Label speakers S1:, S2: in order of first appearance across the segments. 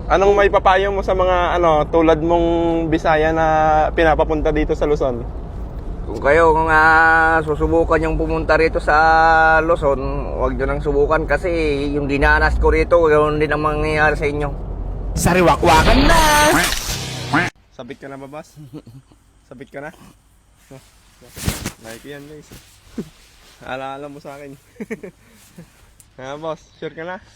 S1: Anong may papayo mo sa mga tulad mong Bisaya na pinapapunta dito sa Luzon?
S2: Kung kayo susubukan yung pumunta rito sa Luzon, huwag nyo nang subukan kasi yung dinanas ko rito, ganoon din ang mangyayari sa inyo.
S3: Sariwakwakan na!
S1: Sabit ka na ba, boss? Sabit ka na? Like yan, guys. Alaala mo sa akin. Boss, sure ka na?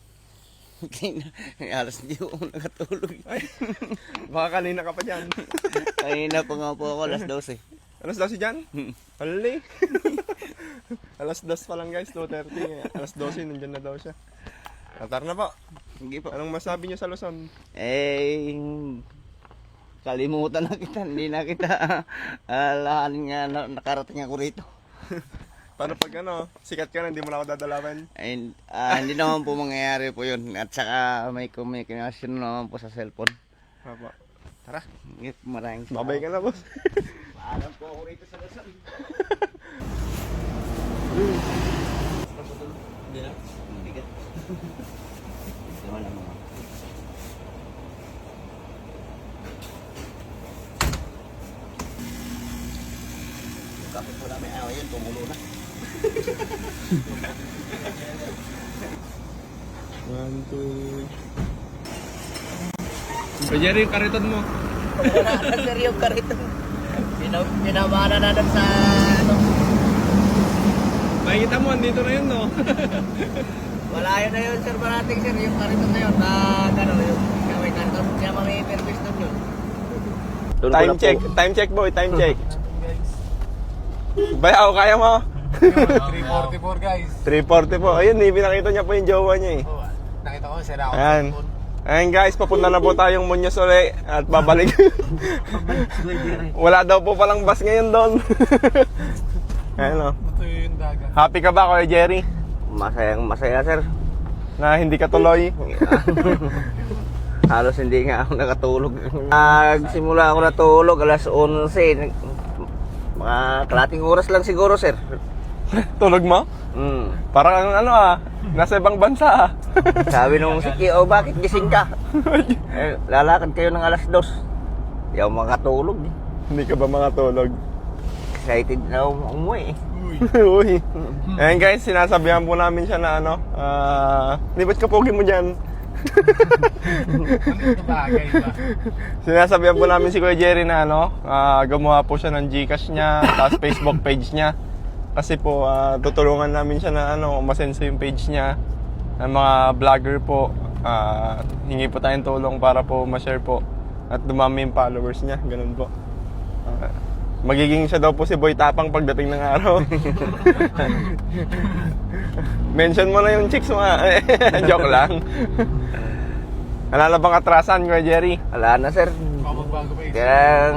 S2: Alas hindi ako nakatulog.
S1: Ay, baka kanina ka pa dyan.
S2: Kanina pa nga po ako, alas 12.
S1: Alas 12 dyan? Hali. Alas 2 pa lang guys, 2:30. Alas 12, nandyan na daw siya. Atar na po.
S2: Hindi po.
S1: Anong masabi niyo sa Luzon?
S2: Kalimutan na kita, hindi na kita alahanin nga nakarating ako rito.
S1: Paano pag sikat ka na, hindi mo na ako dadalawin?
S2: Hindi naman po mangyayari po yun. At saka may communication naman po sa cellphone.
S1: Papa. Tara.
S2: Maraming
S1: Babay ka na, boss.
S2: Paalam po ako rito sa Luzon. Hindi na? Hindi ka. Naman ang mga. Kapit po namin. Yun, tumulo na.
S1: 1, 2. So, Jerry, yung kariton mo.
S2: Sir, yung karito. Pinamana na doon sa
S1: Makikita mo, andito na yun, no?
S2: Malayo na yun, sir, parating, sir. Yung karito na yun. Yung may karito. Kaya may service doon yun.
S1: Time check, boy. Time check. Bayaw, kaya mo?
S3: 344 guys.
S1: 340 po. Ayun, pinakita niya po yung jowa niya eh.
S3: Nakita ko, sira ako.
S1: Ayan. Ayan guys, papunta na po tayong Muñoz uli at babalik. Wala daw po palang bus ngayon doon. Ayan o.
S3: Ito yung dagat.
S1: Happy ka ba, Kuya Jerry?
S2: Masaya, sir.
S1: Na hindi ka tuloy?
S2: Halos hindi nga ako nakatulog. Nagsimula ako natulog alas 11. Mga kalating oras lang siguro, sir.
S1: Tulog mo? Parang nasa ibang bansa
S2: Sabi nung si bakit gising ka? Lalakad kayo ng alas 2. Hindi ako makatulog.
S1: Hindi ka ba makatulog?
S2: Excited na ako umuwi.
S1: Uy. Ayan guys, sinasabihan po namin siya na di ba't kapogi mo dyan?
S3: Bagay ba?
S1: Sinasabihan po namin si Kuya Jerry na gumawa po siya ng Gcash niya, tapos Facebook page niya. Kasi po, tutulungan namin siya na umasenso yung page niya. Ng mga vlogger po, hingi po tayong tulong para po ma-share po. At dumami yung followers niya, ganun po. Magiging siya daw po si Boy Tapang pagdating ng araw. Mention mo na yung chicks mo Joke lang. Wala na bang atrasan, Kuya Jerry?
S2: Wala na, sir.
S3: Magbago pa isa.
S2: Kaya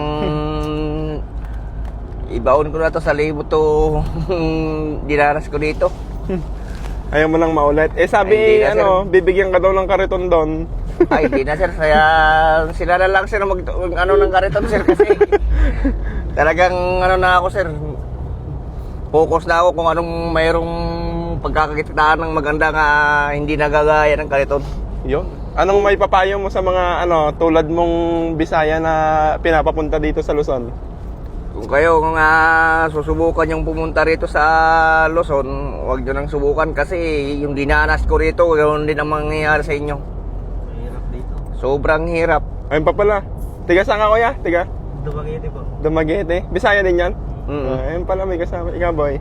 S2: ibaon ko na to sa libo to dinaras ko dito.
S1: Ayaw mo lang maulit. Sabi,
S2: Ay, hindi na,
S1: bibigyan ka daw ng kariton doon.
S2: Ay, hindi na, sir. Kaya sila na lang, sir, ng kariton, sir, kasi talagang na ako, sir. Focus na ako kung anong mayroong pagkakakitaan ng maganda nga hindi nagagaya ng kariton.
S1: Yun. Anong may papayo mo sa mga tulad mong Bisaya na pinapapunta dito sa Luzon?
S2: Kung kayo susubukan yung pumunta rito sa Luzon, huwag nyo nang subukan kasi yung dinanas ko rito, ganoon din ang mangyayari sa inyo. Hirap dito. Sobrang hirap.
S1: Ayun pa pala. Tiga saan ka, Kuya? Tiga?
S2: Dumaguete po.
S1: Dumaguete. Bisaya din yan?
S2: Mm-hmm.
S1: Ayun pala, may kasama. Ikaw, boy.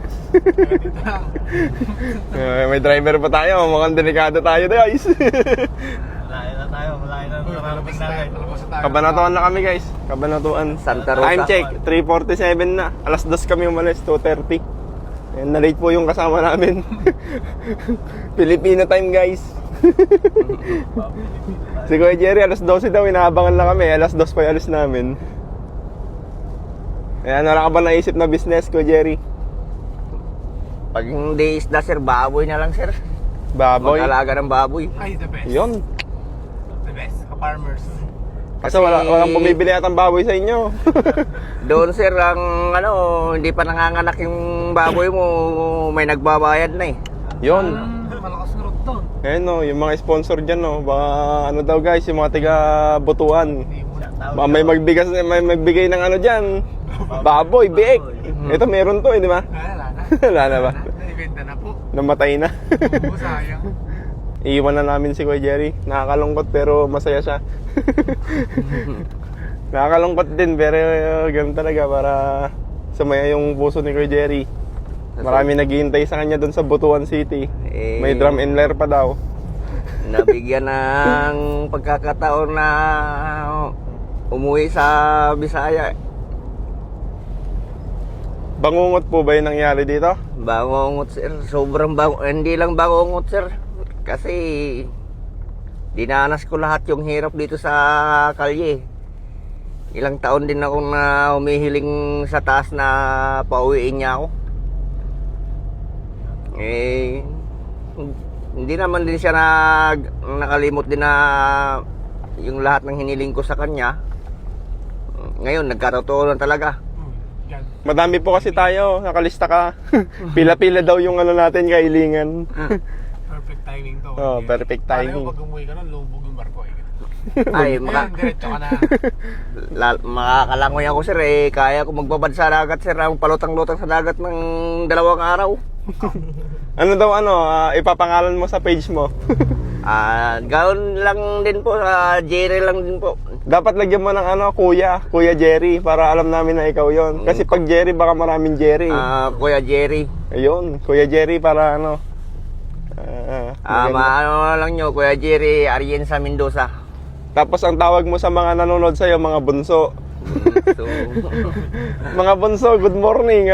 S1: May driver pa tayo. Mukhang delikado tayo, guys.
S2: Malayo na tayo. Malayo na nararating natin.
S1: Kabanatuan na kami, guys. Kabanatuan.
S2: Santa Rosa.
S1: Time check. 3:47 na. Alas 2 kami umalis. 2:30. Ayan, na-late po yung kasama namin. Filipino time, guys. Si Kuya Jerry, alas 12 daw. Inaabangan na kami. Alas 2 pa yung alis namin. Ayan, wala ka ba naisip na business, Kuya Jerry?
S2: Pag hindi isda, sir, baboy na lang, sir.
S1: Baboy?
S2: Mag-alaga ng baboy.
S3: Ay, the best.
S1: Yun.
S3: The best. Ka-farmers.
S1: Kasi walang bumibili at ang baboy sa inyo.
S2: Doon, sir, ang hindi pa nanganganak yung baboy mo, may nagbabayad na eh.
S1: Yun.
S3: Malakas na road doon.
S1: Ayun no, yung mga sponsor dyan no, baka ano daw guys, yung mga tiga Butuan.
S3: Hindi mo na.
S1: Baka may magbigay ng ano dyan, baboy, biik. Ito meron to eh, di ba?
S3: Wala na.
S1: Wala na ba?
S3: Naibenta na po.
S1: Namatay na.
S3: Oo, sayang.
S1: Iiwan na namin si Kuya Jerry. Nakakalungkot pero masaya siya. Nakakalungkot din pero ganun talaga para sumaya yung puso ni Kuya Jerry. Marami naghihintay sa kanya doon sa Butuan City. May drum and lyre pa daw.
S2: Nabigyan ng pagkakataon na umuwi sa Bisaya.
S1: Bangungot po ba yung nangyari dito?
S2: Bangungot sir, sobrang hindi lang bangungot sir. Kasi dinanas ko lahat yung hirap dito sa kalye. Ilang taon din ako na humihiling sa taas na pauwiin niya ako. Hindi naman din siya nakalimot din na yung lahat ng hiniling ko sa kanya. Ngayon, nagkatotoo lang talaga.
S3: Yan.
S1: Madami po kasi tayo, nakalista ka. Pila-pila daw yung ano natin, kailingan.
S3: Perfect timing to.
S1: Oh, perfect timing.
S3: Paano pag umuwi ka nun, lubog yung barko eh.
S2: Ay,
S3: Ngayon, diretso ka na.
S2: makakalangoy ako sir kaya ko magbabad sa dagat sir, ang palutang-lutang sa dagat ng 2 araw.
S1: Ano daw ipapangalan mo sa page mo?
S2: Gawin lang din po sa Jerry lang din po.
S1: Dapat lagyan mo ng Kuya Jerry para alam namin na ikaw yon. Kasi pag Jerry baka maraming Jerry.
S2: Kuya Jerry.
S1: Ayun, Kuya Jerry para maganda.
S2: Maano lang nyo, Kuya Jerry Arienza Mendoza.
S1: Tapos ang tawag mo sa mga nanonood sa'yo, mga bunso.
S2: So,
S1: Mga bunso, good morning.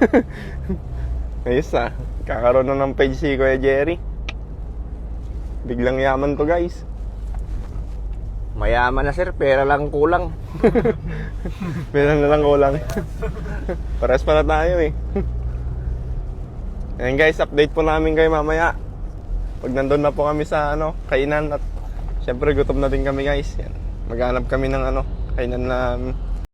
S1: Ayos kakaroon na ng page si Kuya Jerry. Biglang yaman to guys.
S2: mayaman na sir, pera lang kulang.
S1: Meron na lang kulang. Pares pa na tayo eh. Ayan guys, update po namin kayo mamaya. Pag nandun na po kami sa kainan at syempre gutom na din kami guys. Yan. Maghanap kami ng kainan na